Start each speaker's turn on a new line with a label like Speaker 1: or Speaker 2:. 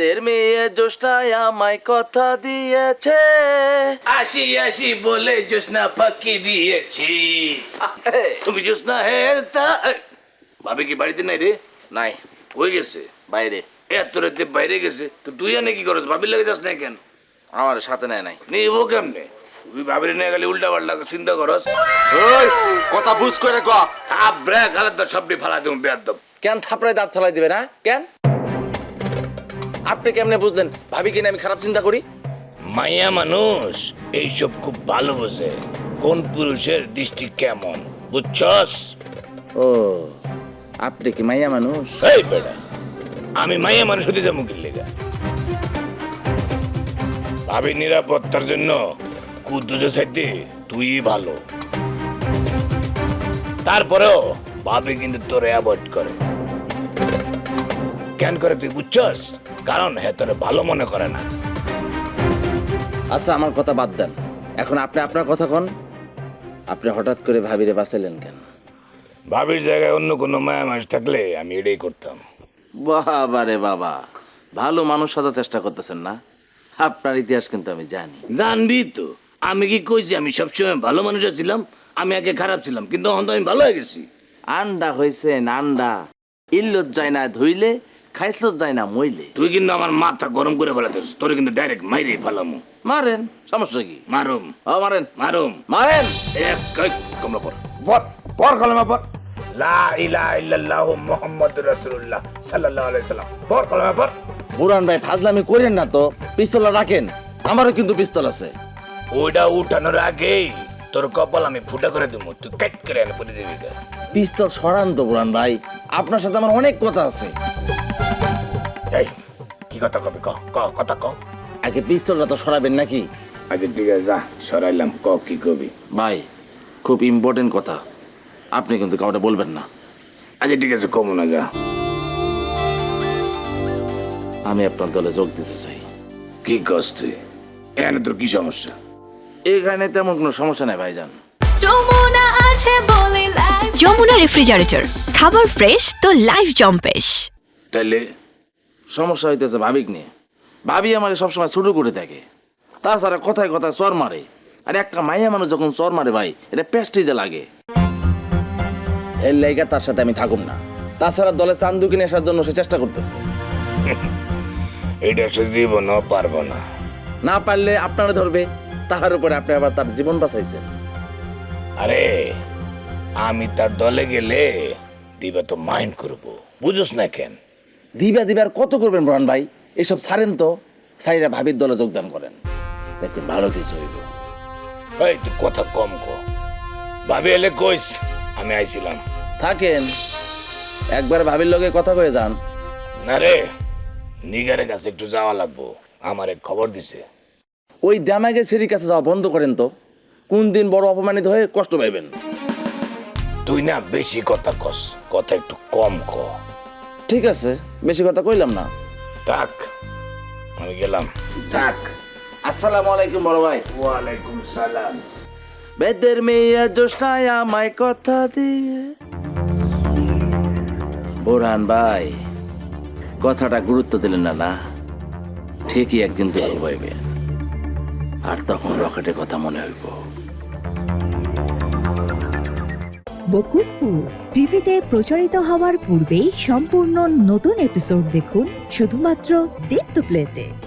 Speaker 1: বেদের মেয়ে জোসনায় আমায় কথা দিয়েছে,
Speaker 2: আসি আসি বলে জোসনা ফাঁকি দিয়েছি। তুমি জোসনা হে তা ভাবি কি বাড়িতে নাই রে?
Speaker 1: নাই,
Speaker 2: হয়ে গেছে
Speaker 1: বাইরে।
Speaker 2: এত রাতে বাইরে গেছে তো তুই এনে কি করছ? ভাবির লাগে যাস না কেন?
Speaker 1: আমার সাথে নেয় নাই।
Speaker 2: নেই ও কেমনে? তুই ভাবির নিয়ে গেলে উল্টা পাল্টা চিন্তা করস।
Speaker 1: ওই কথা বুঝ করে ক।
Speaker 2: থাপ ব্রেক হালে তো সবটি ফালা দেবো বেয়াদব।
Speaker 1: কেন থাপড়ায় দাঁত ফেলাই দিবে না? কেন আপনি কেমনে বুঝলেন ভাবি কিনা আমি খারাপ চিন্তা করি?
Speaker 2: মাইয়া মানুষ এইসব খুব ভালো বোঝে, কোন পুরুষের দৃষ্টি কেমন, বুঝছস?
Speaker 1: ও আপনি কি মাইয়া মানুষ?
Speaker 2: এই বেটা, আমি মাইয়া মানুষ হতে যাবো কি লেগা? ভাবি নিরাপত্তার জন্য কুদ্দুসের সাথে তুই ভালো, তারপরেও ভাবি কিন্তু তোরে অ্যাভয়েড করে। কেন করে তুই বুঝছস? কারণ হ্যাঁ তোরে ভালো মনে করে না।
Speaker 1: আচ্ছা আমার কথা বাদ দেন, এখন আপনি আপনার কথা কন। আপনি হঠাৎ করে ভাবিরে বাঁচাইলেন কেন?
Speaker 2: ভাবির জায়গায় অন্য কোনো মায়া মানুষ থাকলে আমি এটাই করতাম।
Speaker 1: বাবা রে বাবা, ভালো মানুষ সাজার চেষ্টা করতেছেন না? আপনার ইতিহাস কিন্তু আমি জানি।
Speaker 2: জানবি তো, আমি কি কইছি আমি সবসময় ভালো মানুষ ছিলাম? আমি আগে খারাপ ছিলাম, কিন্তু এখন তো আমি ভালো হয়ে গেছি।
Speaker 1: আন্ডা হয়েছে নান্ডা, ইল্লত যায় না ধুইলে, খাইছত যায় না মইলে।
Speaker 2: তুই কিন্তু আমার মাথা গরম করে ফেলাতেছ, তোর কিন্তু ডাইরেক্ট মাইরে ফেলামু।
Speaker 1: মারেন, সমস্যা কি?
Speaker 2: মারুম
Speaker 1: মারেন
Speaker 2: মারুম
Speaker 1: মারেন।
Speaker 2: এক কমলা পর পর পর কলমা পর। লা ইলাহা ইল্লাল্লাহু মুহাম্মাদুর রাসূলুল্লাহ সাল্লাল্লাহু আলাইহি সাল্লাম। পর কলমা পর।
Speaker 1: বুরান ভাই ফাজলামি করেন না তো, পিস্তল রাখেন। আমারও কিন্তু পিস্তল আছে।
Speaker 2: ওইটা উঠানোর আগেই তোর কপাল আমি ফুটা করে দেবো, তুই কাট করে এনে পড়ে দিবি।
Speaker 1: পিস্তল সরান তো বুরান ভাই, আপনার সাথে আমার অনেক কথা আছে।
Speaker 2: এই কি কথা কবি? ক ক কথা ক।
Speaker 1: আগে পিস্তলটা তো সরাবেন নাকি?
Speaker 2: আচ্ছা ঠিক আছে, যা সরাইলাম, ক কি কবি?
Speaker 1: ভাই খুব ইম্পর্টেন্ট কথা, আপনি কিন্তু কাউকে বলবেন না।
Speaker 2: আচ্ছা ঠিক আছে, কমু না, যা।
Speaker 1: আমি আপনার দলে যোগ দিতে চাই।
Speaker 2: কি কস তুই? এখানে তোর কি সমস্যা?
Speaker 1: এখানে তেমন কোনো সমস্যা নাই ভাইজান।
Speaker 3: যমুনা আছে বলে লাইফ। যমুনা রেফ্রিজারেটর, খাবার ফ্রেশ তো লাইফ জম্পেশ।
Speaker 2: তাহলে
Speaker 1: সমস্যা হইতেছে ভাবিক নিয়ে। ভাবি আমার সবসময় ছোট করে থাকে, তাছাড়া কথায় কথায় চর মারে। আর একটা মাইয়া মানুষ যখন চর মারে ভাই, এটা প্রেস্টিজে লাগে। এর লাইগা তার সাথে আমি থাকুম না। তাছাড়া দলে চান্দু কিনে আসার জন্য সে চেষ্টা করতেছে।
Speaker 2: এটা সে জীবনও পারবো না।
Speaker 1: না পারলে আপনারা ধরবে, তাহার উপরে আপনি আবার তার জীবন বাঁচাইছেন।
Speaker 2: আরে আমি তার দলে গেলে দিবা তো মাইন্ড করবো, বুঝোস না কেন?
Speaker 1: দিবার কত করবেন ব্রান ভাই? এসব ছাড়েন তো, সাইরা ভাবির দলে যোগদান করেন, দেখবেন ভালো কিছু হইব।
Speaker 2: এই তুই কথা কম ক। ভাবি এলে কইস আমি আইছিলাম।
Speaker 1: থাকেন, একবার ভাবির লগে কথা কয়ে যান।
Speaker 2: না রে, নিগারের কাছে একটু যাওয়া লাগবো, আমার এক খবর দিছে।
Speaker 1: ওই দামাগে সেরির কাছে যাওয়া বন্ধ করেন তো, কোন দিন বড় অপমানিত হয়ে কষ্ট পাইবেন।
Speaker 2: তুই না বেশি কথা কস, কথা একটু কম ক।
Speaker 1: ঠিক আছে, বেশি কথা কইলাম না।
Speaker 2: থাক, আমি গেলাম। থাক।
Speaker 1: আসসালামু আলাইকুম বড় ভাই।
Speaker 2: ওয়ালাইকুম সালাম।
Speaker 1: বেদের মেয়ে জোসনায় আমায় কথা দিয়ে। বোরহান ভাই, কথাটা গুরুত্ব দিলেন না? না, ঠিকই একদিন দুর্বল হইবে, আর তখন রকেটের কথা মনে হইব।
Speaker 4: বকুলপুর টিভিতে প্রচারিত হওয়ার পূর্বেই সম্পূর্ণ নতুন এপিসোড দেখুন শুধুমাত্র দীপ্ত প্লেতে।